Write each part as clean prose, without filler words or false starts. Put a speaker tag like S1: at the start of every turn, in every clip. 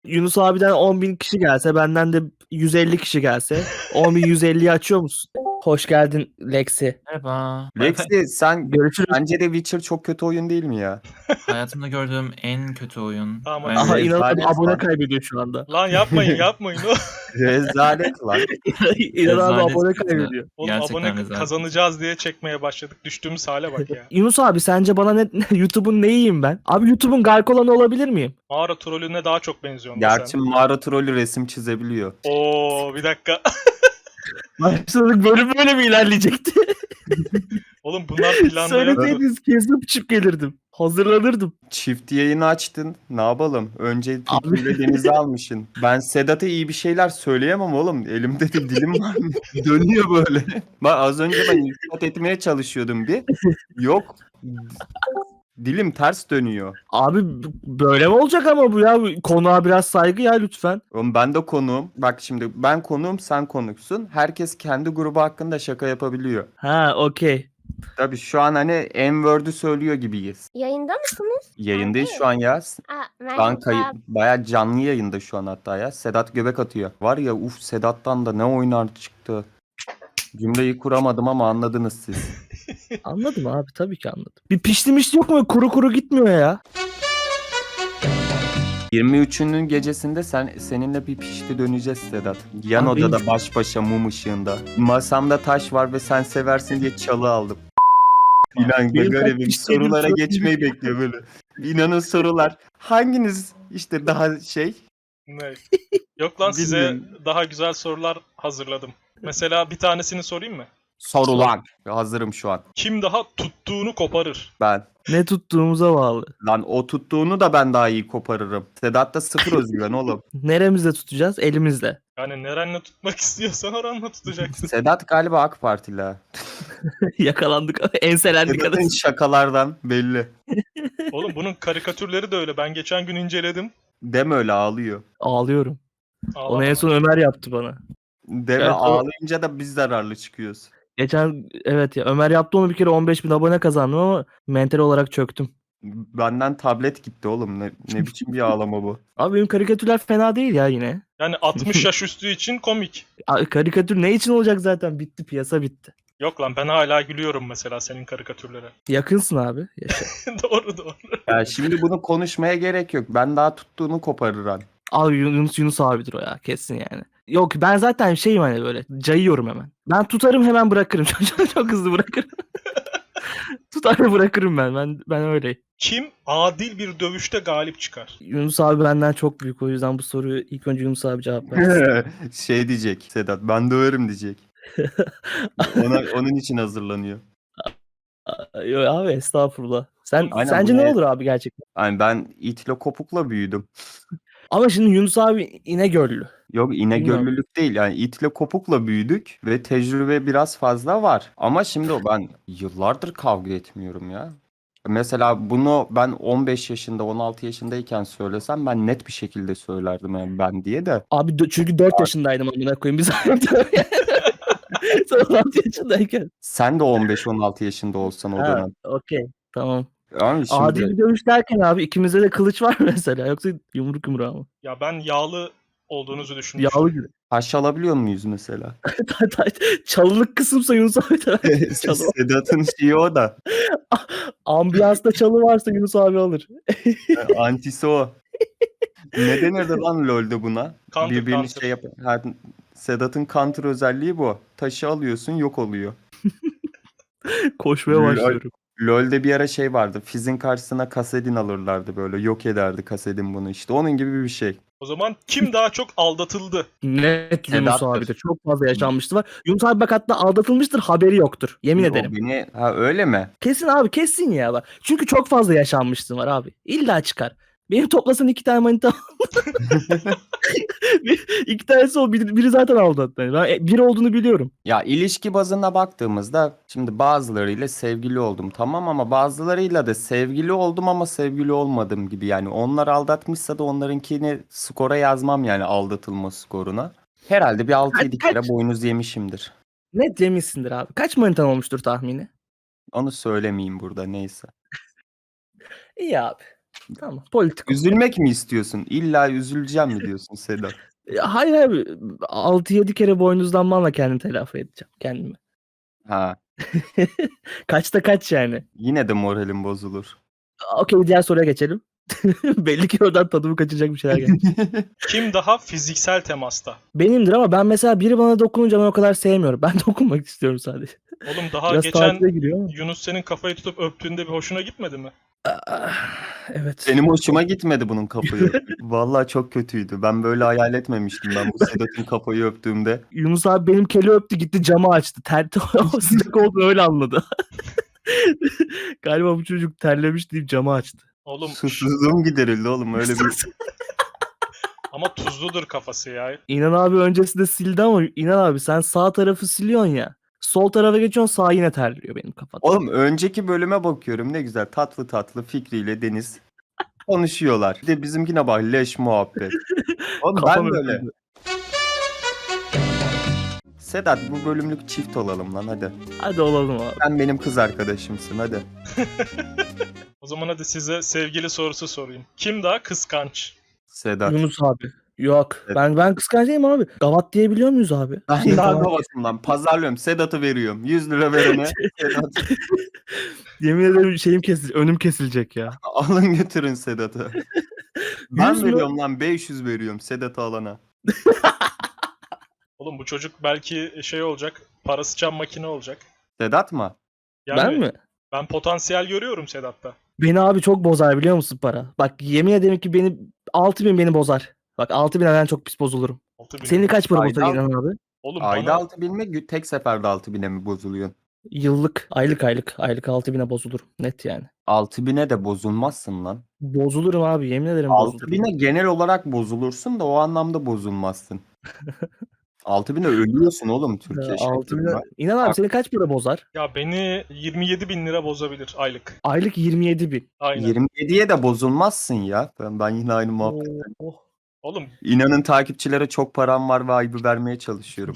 S1: Yunus abiden 10.000 kişi gelse, benden de 150 kişi gelse 10.150'yi açıyor musun? Hoş geldin Lexi.
S2: Merhaba.
S3: Lexi sen
S1: Görüşürüz.
S3: bence de Witcher çok kötü oyun değil mi ya?
S2: Hayatımda gördüğüm en kötü oyun.
S4: Tamam,
S2: Ve
S4: hadi.
S1: Aha inanamadım,
S3: Rezalet
S1: abone
S3: lan.
S1: kaybediyor şu anda.
S4: Lan yapmayın.
S3: Rezalet lan.
S1: İnanamadım,
S2: Rezalet
S1: abone
S2: kötü.
S1: kaybediyor.
S4: Oğlum
S2: Gerçekten
S4: abone
S2: rezalet.
S4: kazanacağız diye çekmeye başladık. Düştüğümüz hale bak ya.
S1: Yunus abi sence bana YouTube'un neyiyim ben? Abi YouTube'un Garkolan'ı olabilir miyim?
S4: Mağara trolüne daha çok benziyorsun da
S3: Gerçi
S4: sen.
S3: mağara trolü resim çizebiliyor.
S4: Oo bir dakika.
S1: Başladık, bölüm böyle mi ilerleyecekti?
S4: Oğlum bunlar planda yoktu.
S1: Söyleseydiniz kesip çık gelirdim. Hazırlanırdım.
S3: Çift yayını açtın. Ne yapalım? Önce
S1: Abi.
S3: Fikri ile Deniz'i almışsın. Ben Sedat'a iyi bir şeyler söyleyemem oğlum. Elimde de dilim var. Dönüyor böyle. Bak az önce ben iltifat etmeye çalışıyordum bir. Yok. Dilim ters dönüyor.
S1: Abi böyle mi olacak ama bu ya? Konuğa biraz saygı ya lütfen.
S3: Oğlum ben de konuğum. Bak şimdi ben konuğum, sen konuksun. Herkes kendi grubu hakkında şaka yapabiliyor.
S1: Ha okey.
S3: Tabii şu an hani N-word'ü söylüyor gibiyiz.
S5: Yayında mısınız?
S3: Yayındayız şu an ya.
S5: Aa,
S3: Şu an
S5: merhaba.
S3: bayağı canlı yayında şu an hatta ya. Sedat göbek atıyor. Var ya Sedat'tan da ne oynar çıktı. Cümleyi kuramadım ama anladınız siz.
S1: Anladım abi, tabii ki anladım. Bir pişti yok mu? Kuru kuru gitmiyor ya.
S3: 23'ünün gecesinde seninle bir pişti döneceğiz Sedat. Yan
S1: Abi
S3: odada
S1: benim-
S3: baş başa mum ışığında. Masamda taş var ve sen seversin diye çalı aldım. İnan
S1: Benim
S3: böyle
S1: kaç
S3: bir
S1: piştiğim
S3: sorulara
S1: çok
S3: geçmeyi bekliyor böyle. İnanın sorular. Hanginiz işte daha şey?
S4: Ne? Yok lan size
S3: Bilmiyorum.
S4: daha güzel sorular hazırladım. Mesela bir tanesini sorayım mı?
S3: Sorular. Hazırım şu an.
S4: Kim daha tuttuğunu koparır?
S3: Ben.
S1: Ne tuttuğumuza bağlı.
S3: Lan o tuttuğunu da ben daha iyi koparırım. Sedat'ta sıfır özgüven oğlum.
S1: Neremizde tutacağız? Elimizle.
S4: Yani nerenle tutmak istiyorsan oranla tutacaksın.
S3: Sedat galiba AK Partili ha.
S1: Yakalandık. Enselendik
S3: Sedat'ın
S1: adası.
S3: şakalardan belli.
S4: Oğlum bunun karikatürleri de öyle. Ben geçen gün inceledim.
S3: Deme öyle ağlıyor.
S1: Ağlıyorum. Onu en
S4: Ağlama.
S1: son Ömer yaptı bana.
S3: Deme
S1: Evet, o-
S3: ağlayınca da biz zararlı çıkıyoruz.
S1: Geçen evet ya, Ömer yaptı onu, bir kere 15.000 abone kazandım ama mental olarak çöktüm.
S3: Benden tablet gitti oğlum. Ne biçim bir ağlama bu.
S1: Abi benim karikatürler fena değil ya yine.
S4: Yani 60 yaş üstü için komik.
S1: Karikatür ne için olacak zaten? Bitti, piyasa bitti.
S4: Yok lan ben hala gülüyorum mesela senin karikatürlere.
S1: Yakınsın abi. Yaşa.
S4: Doğru.
S3: Ya şimdi bunu konuşmaya gerek yok. Ben daha tuttuğunu koparırım.
S1: Abi Yunus abidir o ya, kesin yani. Yok ben zaten şeyim, hani böyle cayıyorum hemen. Ben tutarım hemen bırakırım. Çok hızlı bırakırım. Tutar ve bırakırım ben öyleyim.
S4: Kim adil bir dövüşte galip çıkar?
S1: Yunus abi benden çok büyük, o yüzden bu soruyu ilk önce Yunus abi cevap versin.
S3: Şey diyecek Sedat, ben döverim diyecek. Onun için hazırlanıyor.
S1: Yok abi, estağfurullah.
S3: Aynen,
S1: Sence
S3: bu
S1: ne
S3: ne?
S1: olur abi gerçekten?
S3: Yani ben itle kopukla büyüdüm.
S1: Ama şimdi Yunus abi İnegöllü.
S3: Yok
S1: Bilmiyorum.
S3: İnegöllülük değil, yani itle kopukla büyüdük ve tecrübe biraz fazla var. Ama şimdi ben yıllardır kavga etmiyorum ya. Mesela bunu ben 15 yaşında 16 yaşındayken söylesem ben net bir şekilde söylerdim yani ben diye de.
S1: Abi çünkü 4 yaşındaydım amına koyayım. Biz Sen 16 yaşındayken.
S3: Sen de 15-16 yaşında olsan o
S1: Ha,
S3: dönem.
S1: okey. Tamam.
S3: Yani şimdi
S1: Adil bir dövüş derken abi ikimizde de kılıç var mesela. Yoksa yumruk yumruğa mı?
S4: Ya ben yağlı olduğunuzu düşünmüştüm.
S1: Yağlı gibi.
S3: taş alabiliyor muyuz mesela?
S1: Çalılık kısımsa Yunus abi de çalı.
S3: Sedat'ın şeyi o da.
S1: Ambiyansta çalı varsa Yunus abi alır.
S3: Antisi o. Ne denirdi lan LoL'de buna?
S4: Counter,
S3: Birbirini
S4: counter.
S3: şey yap. Ha, Sedat'ın counter özelliği bu. Taşı alıyorsun yok oluyor.
S1: Koşmaya
S3: Lol.
S1: başlıyorum.
S3: LoL'de bir ara şey vardı. Fizz'in karşısına Kasedin alırlardı böyle. Yok ederdi Kasedin bunu işte. Onun gibi bir şey.
S4: O zaman kim daha çok aldatıldı?
S1: Net Yunus
S3: Sedat'tır.
S1: abi de çok fazla yaşanmıştı var. Yunus abi bak hatta aldatılmıştır, haberi yoktur. Yemin
S3: O
S1: ederim.
S3: beni... Ha öyle mi?
S1: Kesin abi, kesin ya bak. Çünkü çok fazla yaşanmışsın var abi. İlla çıkar. Benim toplasan 2 tane manita. İki tanesi o. Biri zaten aldattı beni. Ben bir olduğunu biliyorum.
S3: Ya ilişki bazına baktığımızda şimdi bazılarıyla sevgili oldum tamam ama bazılarıyla da sevgili oldum ama sevgili olmadım gibi. Yani onlar aldatmışsa da onlarınkini skora yazmam yani aldatılma skoruna. Herhalde bir 6-7
S1: Kaç-
S3: kere boynuz yemişimdir.
S1: Net yemişsindir abi. Kaç manitan olmuştur tahmini?
S3: Onu söylemeyeyim burada neyse.
S1: İyi abi. Tamam. Politik.
S3: Üzülmek mi istiyorsun? İlla üzüleceğim mi diyorsun Sedat?
S1: Hayır abi. 6-7 kere boynuzlanmanla kendimi telafi edeceğim. Kendimi.
S3: Ha,
S1: Kaçta kaç yani.
S3: yine de moralim bozulur.
S1: Okey, diğer soruya geçelim. Belli ki oradan tadımı kaçacak bir şeyler geldi.
S4: Kim daha fiziksel temasta?
S1: Benimdir ama ben mesela biri bana dokununca ben o kadar sevmiyorum. Ben dokunmak istiyorum sadece.
S4: Oğlum daha
S1: Biraz
S4: geçen
S1: tatile giriyor ama.
S4: Yunus senin kafayı tutup öptüğünde bir hoşuna gitmedi mi?
S1: Evet.
S3: Benim hoşuma gitmedi bunun kafayı öpmek. Vallahi çok kötüydü. Ben böyle hayal etmemiştim ben bu Sedat'ın kafayı öptüğümde.
S1: Yunus abi benim keli öptü, gitti camı açtı. O sıcak olduğunu öyle anladı. Galiba bu çocuk terlemiş deyip camı açtı.
S4: Oğlum
S3: Susuzluğum giderildi oğlum öyle bir.
S4: ama tuzludur kafası ya.
S1: İnan abi öncesinde sildi ama İnan abi sen sağ tarafı siliyorsun ya. Sol tarafa geçiyorsun, sağ yine terliyor benim kafada.
S3: Oğlum önceki bölüme bakıyorum ne güzel tatlı tatlı Fikri ile Deniz konuşuyorlar. Bir de bizimkine bak leş muhabbet. Oğlum
S1: Kafam
S3: ben böyle.
S1: öpüldü.
S3: Sedat bu bölümlük çift olalım lan hadi.
S1: Hadi olalım abi.
S3: Sen benim kız arkadaşımsın hadi.
S4: O zaman hadi size sevgili sorusu sorayım. Kim daha kıskanç?
S3: Sedat.
S1: Yunus abi. Yok.
S3: Evet.
S1: Ben kıskanç değilim abi. Gavat diyebiliyor muyuz abi?
S3: Ben daha babasından pazarlıyorum. Sedat'ı veriyorum. 100 lira verene. Sedat.
S1: Yemin ederim şeyim kesilecek. Önüm kesilecek ya.
S3: Alın götürün Sedat'ı. Ben
S1: 100 mü?
S3: veriyorum lan 500 veriyorum Sedat'ı alana.
S4: Oğlum bu çocuk belki şey olacak. Para sıçan makine olacak.
S3: Sedat mı?
S4: Yani
S1: Ben mi?
S4: ben potansiyel görüyorum Sedat'ta.
S1: Beni abi çok bozar biliyor musun para? Bak yemin ederim ki 6.000 beni bozar. Bak 6.000'e ben çok pis bozulurum.
S4: 6.000.
S1: Senin kaç para
S3: Ayda-
S1: bozar İnan abi?
S4: Oğlum
S3: Ayda
S4: bana
S3: 6.000 mi? Tek seferde 6.000'e mi bozuluyorsun?
S1: Yıllık, aylık 6.000'e bozulurum. Net yani.
S3: 6.000'e de bozulmazsın lan.
S1: Bozulurum abi, yemin ederim bozulurum.
S3: 6.000'e genel olarak bozulursun da o anlamda bozulmazsın. 6.000'e ölüyorsun oğlum Türkiye
S1: 6.000'e...
S3: şartlarında.
S1: İnan abi
S3: Bak.
S1: seni kaç para bozar?
S4: ya beni 27.000 lira bozabilir aylık.
S1: Aylık 27.000.
S4: Aynen.
S3: 27'ye de bozulmazsın ya. Ben yine aynı muhabbet.
S1: Oh.
S4: Oğlum
S3: İnanın takipçilere çok param var ve ayıbı vermeye çalışıyorum.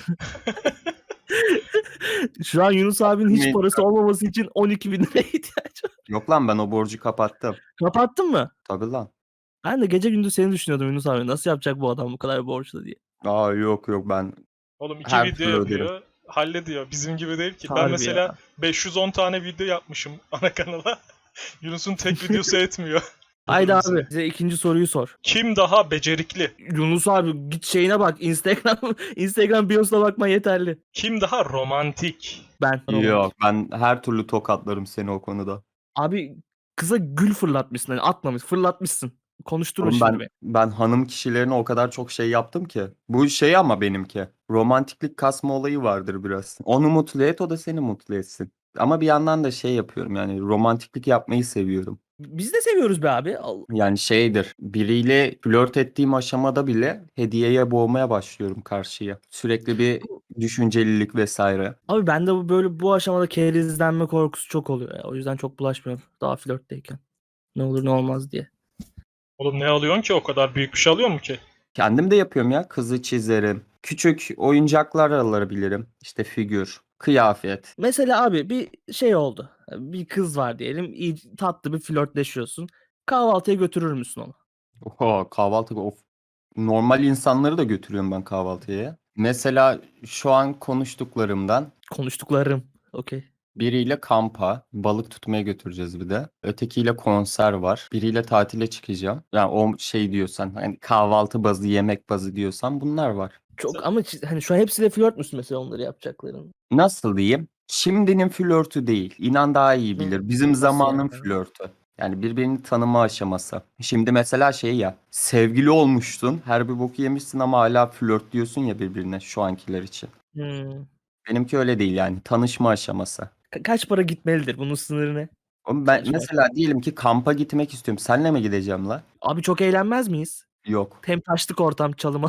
S1: Şu an Yunus abinin hiç
S3: Yemin-
S1: parası olmaması için 12.000 liraya ihtiyacı var.
S3: Yok lan ben o borcu kapattım.
S1: Kapattın mı?
S3: Tabii lan.
S1: Ben de gece gündüz seni düşünüyordum Yunus abi. Nasıl yapacak bu adam bu kadar borçlu diye.
S3: Aa yok ben
S4: oğlum 2
S3: Her
S4: video
S3: türlü öderim.
S4: yapıyor. Hallediyor. Bizim gibi değil ki. Ben
S1: Harbi
S4: mesela
S1: ya.
S4: 510 tane video yapmışım ana kanala. Yunus'un tek videosu etmiyor.
S1: Haydi
S4: Yunus'un.
S1: abi bize ikinci soruyu sor.
S4: Kim daha becerikli?
S1: Yunus abi git şeyine bak. Instagram biosuna bakma yeterli.
S4: Kim daha romantik?
S1: Ben.
S3: yok ben her türlü tokatlarım seni o konuda.
S1: Abi kıza gül fırlatmışsın. Hani atmamış. Fırlatmışsın. Konuşturma
S3: Oğlum
S1: şimdi beni.
S3: ben hanım kişilerine o kadar çok şey yaptım ki. Bu şey ama benimki. Romantiklik kasma olayı vardır biraz. Onu mutlu et o da seni mutlu etsin. Ama bir yandan da şey yapıyorum yani romantiklik yapmayı seviyorum.
S1: Biz de seviyoruz be abi.
S3: Yani şeydir biriyle flört ettiğim aşamada bile hediyeye boğmaya başlıyorum karşıya. Sürekli bir düşüncelilik vesaire.
S1: Abi bende bu aşamada kerizlenme korkusu çok oluyor ya. O yüzden çok bulaşmıyorum. Daha flörtteyken. Ne olur ne olmaz diye.
S4: Oğlum ne alıyorsun ki? O kadar büyük bir şey alıyor mu ki?
S3: Kendim de yapıyorum ya. Kızı çizerim. Küçük oyuncaklar alabilirim. İşte figür, kıyafet.
S1: Mesela abi bir şey oldu. Bir kız var diyelim. İyi, tatlı bir flörtleşiyorsun. Kahvaltıya götürür müsün onu?
S3: Oho, kahvaltı of. Normal insanları da götürüyorum ben kahvaltıya. Ya. Mesela şu an konuştuklarımdan
S1: Konuştuklarım. Okey.
S3: biriyle kampa, balık tutmaya götüreceğiz bir de. Ötekiyle konser var. Biriyle tatile çıkacağım. Yani o şey diyorsan hani kahvaltı bazı, yemek bazı diyorsan bunlar var.
S1: Çok ama hani şu an hepsiyle flört müsün mesela onları yapacakların?
S3: Nasıl diyeyim? Şimdinin flörtü değil. İnan daha iyi bilir. Bizim
S1: Nasıl
S3: zamanın
S1: yani?
S3: flörtü. Yani birbirini tanıma aşaması. Şimdi mesela şey ya, sevgili olmuşsun, her bir boku yemişsin ama hala flört diyorsun ya birbirine şu ankiler için.
S1: Hmm.
S3: Benimki öyle değil yani, tanışma aşaması.
S1: Kaç para gitmelidir? Bunun sınırı ne?
S3: Oğlum ben
S1: Tanışma
S3: mesela diyelim ki kampa gitmek istiyorum. Senle mi gideceğim la?
S1: Abi çok eğlenmez miyiz?
S3: Yok.
S1: Hem taşlık ortam çalıma.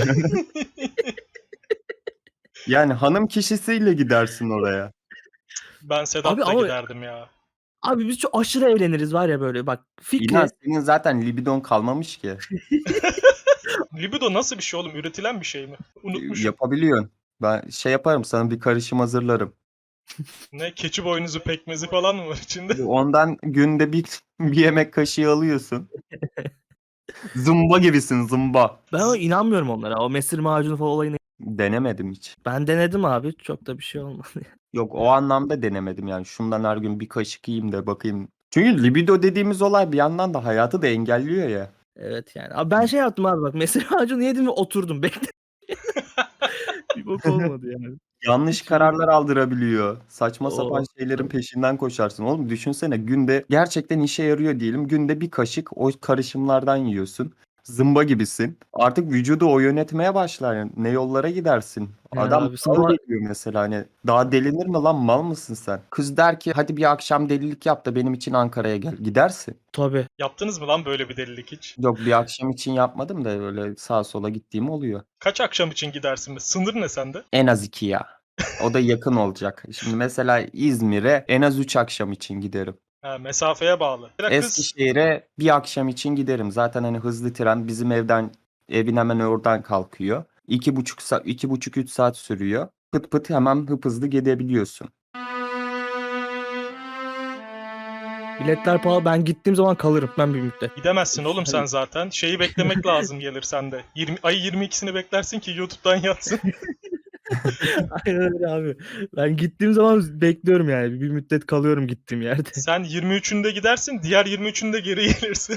S3: Yani hanım kişisiyle gidersin oraya.
S4: Ben Sedat'la
S1: Abi ama-
S4: giderdim ya.
S1: Abi biz çok aşırı eğleniriz var ya böyle bak. Fikri.
S3: İnan senin zaten libidon kalmamış ki.
S4: Libido nasıl bir şey oğlum? Üretilen bir şey mi? Unutmuşum.
S3: Yapabiliyorsun. Ben şey yaparım sana bir karışım hazırlarım.
S4: Ne keçi boynuzu pekmezi falan mı var içinde?
S3: Ondan günde bir yemek kaşığı alıyorsun. Zımba gibisin, zımba.
S1: Ben inanmıyorum onlara. O mesir macunu falan olayını.
S3: Denemedim hiç.
S1: Ben denedim abi. Çok da bir şey olmadı.
S3: Yok, o anlamda denemedim yani. Şundan her gün bir kaşık yiyeyim de bakayım. Çünkü libido dediğimiz olay bir yandan da hayatı da engelliyor ya.
S1: Evet yani. Abi ben şey yaptım abi bak. Mesir macunu yedim ve oturdum. Bekle. Bir bok olmadı yani.
S3: Yanlış kararlar aldırabiliyor. Saçma sapan
S1: Oo.
S3: şeylerin peşinden koşarsın. Oğlum düşünsene, günde gerçekten işe yarıyor diyelim. Günde bir kaşık o karışımlardan yiyorsun. Zımba gibisin. Artık vücudu o yönetmeye başlar. Yani ne yollara gidersin.
S1: Yani
S3: Adam
S1: abi
S3: mal
S1: sabah
S3: geliyor mesela, hani daha delinir mi lan, mal mısın sen? Kız der ki hadi bir akşam delilik yap da benim için Ankara'ya gel. Gidersin.
S1: tabii.
S4: Yaptınız mı lan böyle bir delilik hiç?
S3: Yok, bir akşam için yapmadım da öyle sağa sola gittiğim oluyor.
S4: Kaç akşam için gidersin? Sınır ne sende?
S3: En az 2 ya. O da yakın olacak. Şimdi mesela İzmir'e en az 3 akşam için giderim.
S4: Ha, mesafeye bağlı. Bir de kız
S3: Eskişehir'e bir akşam için giderim. Zaten hani hızlı tren bizim evin hemen oradan kalkıyor. 2,5 saat, 2,5-3 saat sürüyor. Pıt pıt hemen hızlı gidebiliyorsun.
S1: Biletler pahalı. Ben gittiğim zaman kalırım. Ben bir müddet.
S4: gidemezsin oğlum sen zaten. Şeyi beklemek lazım gelirsen de. Ay 22'sini beklersin ki YouTube'dan yatsın.
S1: Aynen öyle abi. Ben gittiğim zaman bekliyorum yani. Bir müddet kalıyorum gittiğim yerde.
S4: Sen 23'ünde gidersin, diğer 23'ünde geri gelirsin.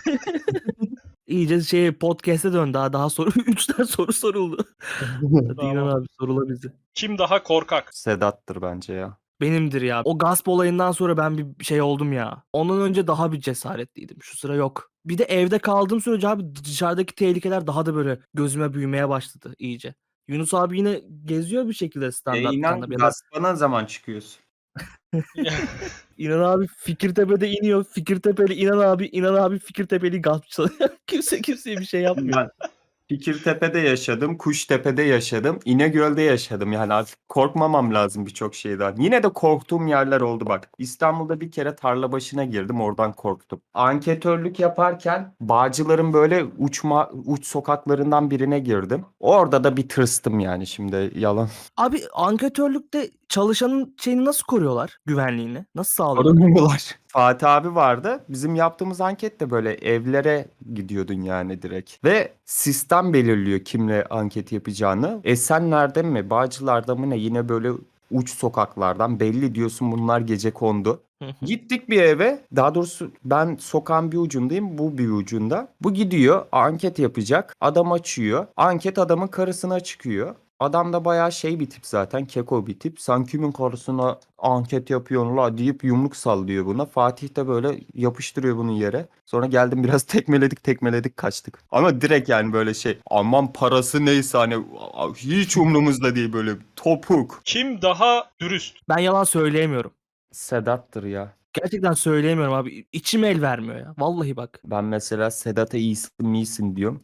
S1: İyice podcast'e dön. Daha soru 3 tane soru soruldu. Hadi
S4: Tamam.
S1: İnan abi sorula bizi.
S4: Kim daha korkak?
S3: Sedat'tır bence ya.
S1: Benimdir ya. O gasp olayından sonra ben bir şey oldum ya. Ondan önce daha bir cesaretliydim. Şu sıra yok. Bir de evde kaldığım sürece abi dışarıdaki tehlikeler daha da böyle gözüme büyümeye başladı iyice. Yunus abi yine geziyor bir şekilde stand-up
S3: İnan
S1: ya da
S3: gaspana zaman çıkıyorsun.
S1: İnan abi Fikirtepe'de iniyor. Fikirtepe'li İnan abi Fikirtepe'li gasp çalıyor. Kimseye bir şey yapmıyor.
S3: Ben Fikirtepe'de yaşadım, Kuştepe'de yaşadım, İnegöl'de yaşadım. Yani artık korkmamam lazım birçok şeyden. Yine de korktuğum yerler oldu bak. İstanbul'da bir kere tarla başına girdim, oradan korktum. Anketörlük yaparken Bağcılar'ın böyle uç sokaklarından birine girdim. Orada da bir tırstım yani, şimdi yalan.
S1: Abi anketörlükte çalışanın şeyini nasıl koruyorlar? Güvenliğini. Nasıl sağlıyorlar?
S3: Korumuyorlar. Fatih abi vardı. Bizim yaptığımız anket de böyle evlere gidiyordun yani direkt. Ve sistem belirliyor kimle anket yapacağını. Esenler'de mi, Bağcılar'da mı ne, yine böyle uç sokaklardan belli diyorsun, bunlar gecekondu. Gittik bir eve. Daha doğrusu ben sokağın bir ucundayım, bu bir ucunda. Bu gidiyor, anket yapacak. Adam açıyor. Anket adamın karısına çıkıyor. Adam da bayağı şey bir tip zaten. Keko bir tip. Sen kimin karısına anket yapıyorsun la deyip yumruk sallıyor buna. Fatih de böyle yapıştırıyor bunu yere. Sonra geldim, biraz tekmeledik kaçtık. Ama direkt yani böyle şey. Aman parası neyse, hani hiç umrumuzda değil, böyle topuk.
S4: Kim daha dürüst?
S1: Ben yalan söyleyemiyorum.
S3: Sedat'tır ya.
S1: Gerçekten söyleyemiyorum abi. İçim el vermiyor ya. Vallahi bak.
S3: Ben mesela Sedat'a iyisin diyorum.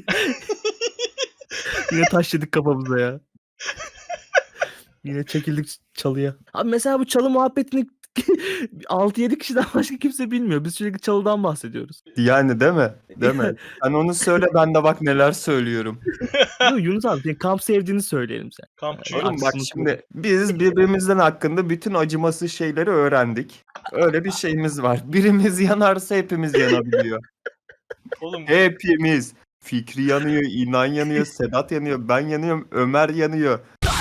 S1: Yine taş yedik kafamıza ya. Yine çekildik çalıya. Abi mesela bu çalı muhabbetini 6-7 kişiden başka kimse bilmiyor. Biz sürekli çalıdan bahsediyoruz.
S3: Yani değil mi? Değil mi? Sen onu söyle, ben de bak neler söylüyorum.
S1: Yok Yunus abi senin kamp sevdiğini söyleyelim sen.
S4: Kampçı.
S3: Oğlum bak
S1: Aksını
S3: şimdi biz birbirimizden hakkında bütün acımasız şeyleri öğrendik. Öyle bir şeyimiz var. Birimiz yanarsa hepimiz yanabiliyor.
S4: Oğlum
S3: Hepimiz. Fikri yanıyor, İnan yanıyor, Sedat yanıyor, ben yanıyorum, Ömer yanıyor.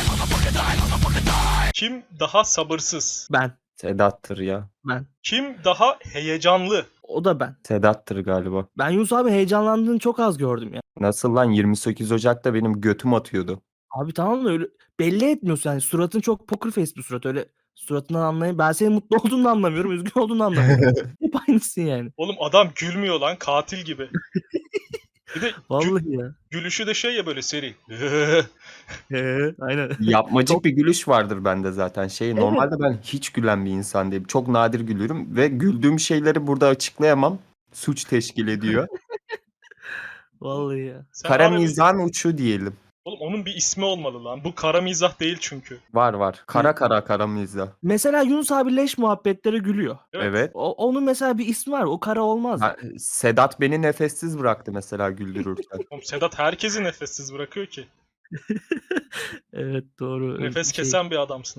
S4: kim daha sabırsız?
S1: Ben.
S3: Sedat'tır ya.
S1: Ben.
S4: Kim daha heyecanlı?
S1: O da ben.
S3: Sedat'tır galiba.
S1: Ben Yunus abi heyecanlandığını çok az gördüm ya.
S3: Nasıl lan, 28 Ocak'ta benim götüm atıyordu.
S1: Abi tamam mı öyle belli etmiyorsun yani suratın çok poker face bir surat öyle suratından anlayayım. Ben senin mutlu olduğunu da anlamıyorum, üzgün olduğunu da anlamıyorum. Hep aynısın yani.
S4: Oğlum adam gülmüyor lan, katil gibi. Bir de
S1: Vallahi ya.
S4: gülüşü de şey ya, böyle seri.
S1: Aynen.
S3: Yapmacık bir gülüş vardır bende zaten. Normalde ben hiç gülen bir insan değilim. Çok nadir gülürüm ve güldüğüm şeyleri burada açıklayamam. Suç teşkil ediyor.
S1: Vallahi ya.
S4: Sen
S3: Kara
S4: abi-
S3: mizahın uçu diyelim.
S4: Oğlum onun bir ismi olmalı lan. Bu kara mizah değil çünkü.
S3: Var. Kara mizah.
S1: Mesela Yunus abi leş muhabbetlere gülüyor.
S3: Evet.
S1: Onun mesela bir ismi var. O kara olmaz.
S3: Ha, Sedat beni nefessiz bıraktı mesela güldürürken.
S4: Oğlum Sedat herkesi nefessiz bırakıyor ki.
S1: Evet doğru.
S4: Nefes
S1: Şey,
S4: kesen bir adamsın oğlum.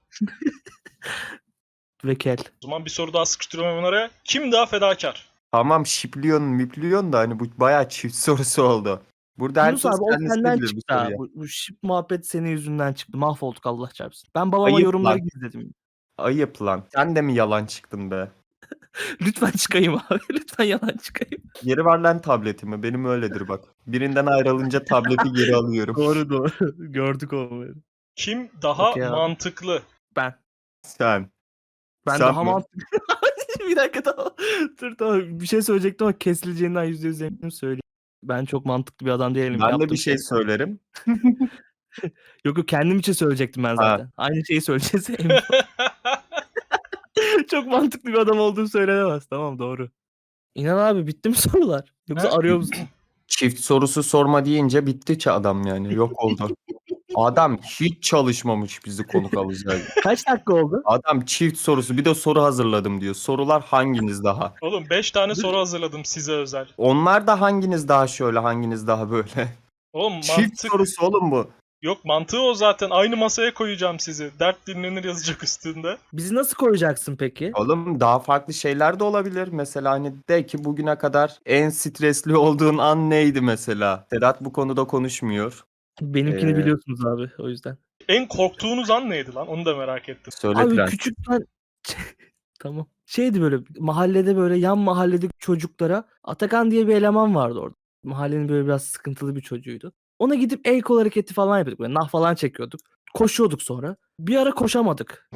S1: Ve kel.
S4: O zaman bir soru daha sıkıştırıyorum hemen araya. Kim daha fedakar?
S3: Tamam mipliyon da hani bu bayağı çift sorusu oldu. Burada
S1: Yunus
S3: herkes
S1: abi o
S3: kendisi
S1: senden
S3: bilir bu
S1: çıktı ha.
S3: soruyu.
S1: Bu şip muhabbet senin yüzünden çıktı. Mahvolduk Allah çarpsın. Ben babama
S3: Ayıp
S1: yorumları
S3: lan.
S1: gizledim.
S3: Ayıp lan. Sen de mi yalan çıktın be?
S1: Lütfen çıkayım abi. Lütfen yalan çıkayım.
S3: Geri ver lan tabletimi. Benim öyledir bak. Birinden ayrılınca tableti geri alıyorum.
S1: Doğru. Gördük o.
S4: Kim daha
S1: Okey abi.
S4: mantıklı?
S1: Ben.
S3: Sen.
S1: Ben
S3: Sen
S1: daha
S3: mi?
S1: mantıklı. Bir dakika tamam. Dur tamam. Bir şey söyleyecektim ama kesileceğinden %100 eminim söyleyeyim. Ben çok mantıklı bir adam değilim.
S3: Ben de
S1: Yaptığım
S3: bir şey söylerim.
S1: Yok kendim için söyleyecektim ben
S3: Ha.
S1: zaten. Aynı şeyi söyleyeceğiz. Emin ol. Çok mantıklı bir adam olduğu söylenemez. Tamam doğru. İnan abi bitti mi sorular? Yoksa
S4: Ha?
S1: arıyor musun?
S3: Çift sorusu sorma deyince bitti ki adam yani. Yok oldu. Adam hiç çalışmamış bizi konuk alacak.
S1: Kaç dakika oldu?
S3: Adam çift sorusu bir de soru hazırladım diyor. Sorular hanginiz daha?
S4: Oğlum 5 tane soru hazırladım size özel.
S3: Onlar da hanginiz daha şöyle hanginiz daha böyle.
S4: Oğlum
S3: Çift
S4: mantık
S3: sorusu oğlum bu.
S4: yok, mantığı o zaten. Aynı masaya koyacağım sizi. Dert dinlenir yazacak üstünde.
S1: Bizi nasıl koyacaksın peki?
S3: Oğlum daha farklı şeyler de olabilir. Mesela hani de ki bugüne kadar en stresli olduğun an neydi mesela? Sedat bu konuda konuşmuyor.
S1: Benimkini
S3: Ee,
S1: biliyorsunuz abi o yüzden.
S4: En korktuğunuz an neydi lan? Onu da merak ettim.
S3: Söyle
S1: Abi
S3: Prens.
S1: küçükten tamam. Şeydi böyle mahallede böyle yan mahalledeki çocuklara Atakan diye bir eleman vardı orada. Mahallenin böyle biraz sıkıntılı bir çocuğuydu. Ona gidip el kol hareketi falan yapıyorduk. Böyle nah falan çekiyorduk. Koşuyorduk sonra. Bir ara koşamadık.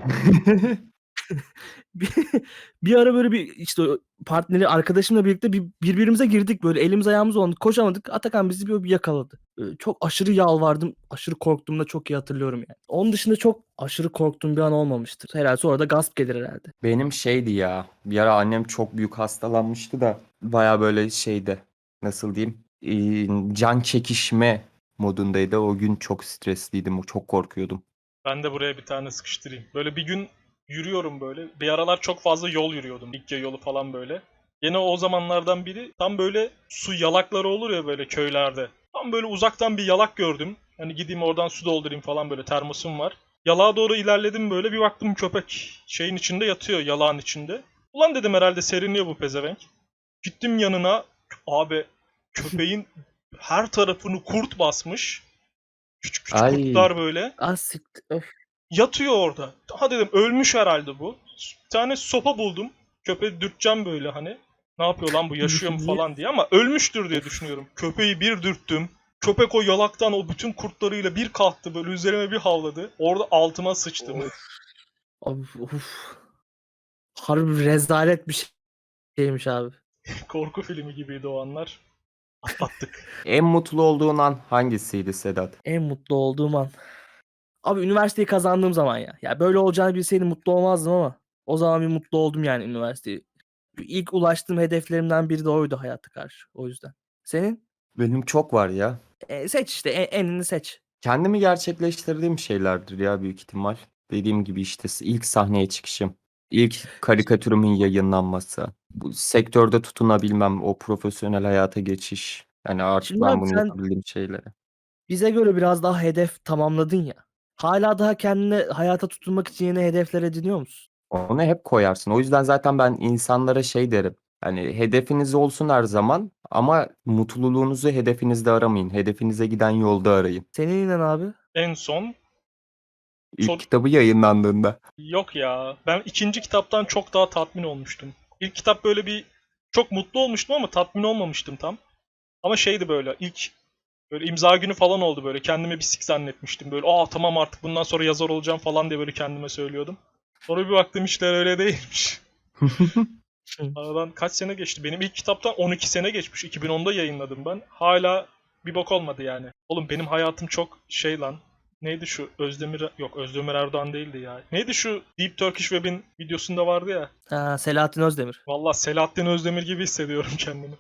S1: bir, bir ara böyle bir işte partneri arkadaşımla birlikte birbirimize girdik böyle elimiz ayağımız oldu koşamadık. Atakan bizi bir yakaladı. Çok aşırı yalvardım. Aşırı korktuğumu da çok iyi hatırlıyorum yani. Onun dışında çok aşırı korktuğum bir an olmamıştır. Herhalde sonra da gasp gelir herhalde.
S3: Benim şeydi ya. Bir ara annem çok büyük hastalanmıştı da baya böyle şeydi. Nasıl diyeyim? Can çekişme modundaydı. O gün çok stresliydim. Çok korkuyordum.
S4: Ben de buraya bir tane sıkıştırayım. Böyle bir gün yürüyorum böyle. Bir aralar çok fazla yol yürüyordum. Likya yolu falan böyle. Yine o zamanlardan biri tam böyle su yalakları olur ya böyle köylerde. Tam böyle uzaktan bir yalak gördüm. Hani gideyim oradan su doldurayım falan, böyle termosum var. Yalağa doğru ilerledim böyle, bir baktım köpek şeyin içinde yatıyor, yalağın içinde. Ulan dedim herhalde serinliyor bu pezevenk. Gittim yanına, abi köpeğin her tarafını kurt basmış. Küçük küçük
S3: Ay.
S4: kurtlar böyle.
S1: Öf.
S4: Yatıyor orada. Ha dedim ölmüş herhalde bu. Bir tane sopa buldum. Köpeği dürteceğim böyle hani. Ne yapıyor lan bu, yaşıyor mu
S1: Niye?
S4: falan diye, ama ölmüştür diye düşünüyorum. Köpeği bir dürttüm. Köpek o yalaktan o bütün kurtlarıyla bir kalktı, böyle üzerime bir havladı. Orada altıma sıçtım.
S1: Abi, of. Harbi rezalet bir şeymiş abi.
S4: Korku filmi gibiydi o anlar. Atlattık.
S3: En mutlu olduğun an hangisiydi Sedat?
S1: En mutlu olduğum an. Abi üniversiteyi kazandığım zaman ya. Ya böyle olacağını bilseydim mutlu olmazdım ama o zaman bir mutlu oldum yani üniversiteyi. İlk ulaştığım hedeflerimden biri de oydu hayata karşı. O yüzden. Senin?
S3: Benim çok var ya.
S1: Seç işte enini seç.
S3: Kendimi gerçekleştirdiğim şeylerdir ya büyük ihtimal. Dediğim gibi işte ilk sahneye çıkışım. İlk karikatürümün yayınlanması. Bu sektörde tutunabilmem. O profesyonel hayata geçiş. Yani artık
S1: Şimdi
S3: ben
S1: abi
S3: bunu
S1: sen
S3: yapabildiğim şeylere.
S1: bize göre biraz daha hedef tamamladın ya. Hala daha kendine hayata tutunmak için yeni hedefler ediniyor musun?
S3: Onu hep koyarsın. O yüzden zaten ben insanlara şey derim. Hani hedefiniz olsun her zaman ama mutluluğunuzu hedefinizde aramayın. Hedefinize giden yolda arayın.
S1: Senin inen abi.
S4: En son
S3: İlk
S4: Son-
S3: kitabı yayınlandığında.
S4: yok ya. Ben ikinci kitaptan çok daha tatmin olmuştum. İlk kitap böyle bir çok mutlu olmuştum ama tatmin olmamıştım tam. Ama şeydi böyle ilk böyle imza günü falan oldu böyle. Kendimi bir sik zannetmiştim. Böyle tamam artık bundan sonra yazar olacağım falan diye böyle kendime söylüyordum. Sonra bir baktım işler öyle değilmiş. Aradan kaç sene geçti? Benim ilk kitaptan 12 sene geçmiş. 2010'da yayınladım ben. Hala bir bok olmadı yani. Oğlum benim hayatım çok şey lan. Neydi şu Özdemir Erdoğan değildi ya. Neydi şu Deep Turkish Web'in videosunda vardı ya.
S1: Ha, Selahattin Özdemir.
S4: Vallahi Selahattin Özdemir gibi hissediyorum kendimi.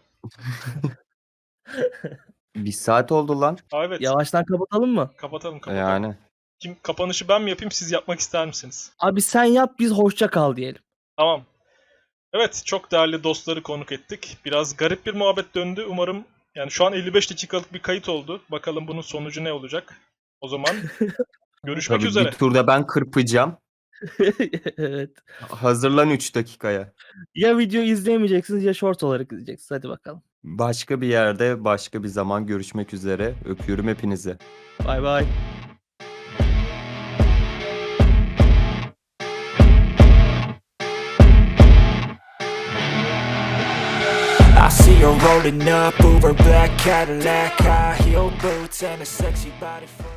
S3: Bir saat oldu lan.
S4: Evet.
S1: Yavaştan kapatalım mı?
S4: Kapatalım.
S3: Yani.
S4: Kapanışı ben mi yapayım, siz yapmak ister misiniz?
S1: Abi sen yap biz hoşça kal diyelim.
S4: Tamam. Evet, çok değerli dostları konuk ettik. Biraz garip bir muhabbet döndü. Umarım yani şu an 55 dakikalık bir kayıt oldu. Bakalım bunun sonucu ne olacak? O zaman görüşmek
S3: Tabii
S4: üzere.
S3: bir turda ben kırpacağım.
S1: Evet.
S3: Hazırlan 3 dakikaya.
S1: Ya video izleyemeyeceksiniz ya short olarak izleyeceksiniz. Hadi bakalım.
S3: Başka bir yerde, başka bir zaman görüşmek üzere. Öpüyorum hepinizi.
S1: Bay bay.
S5: I see her rolling up, Uber black Cadillac, high heel boots and a sexy body.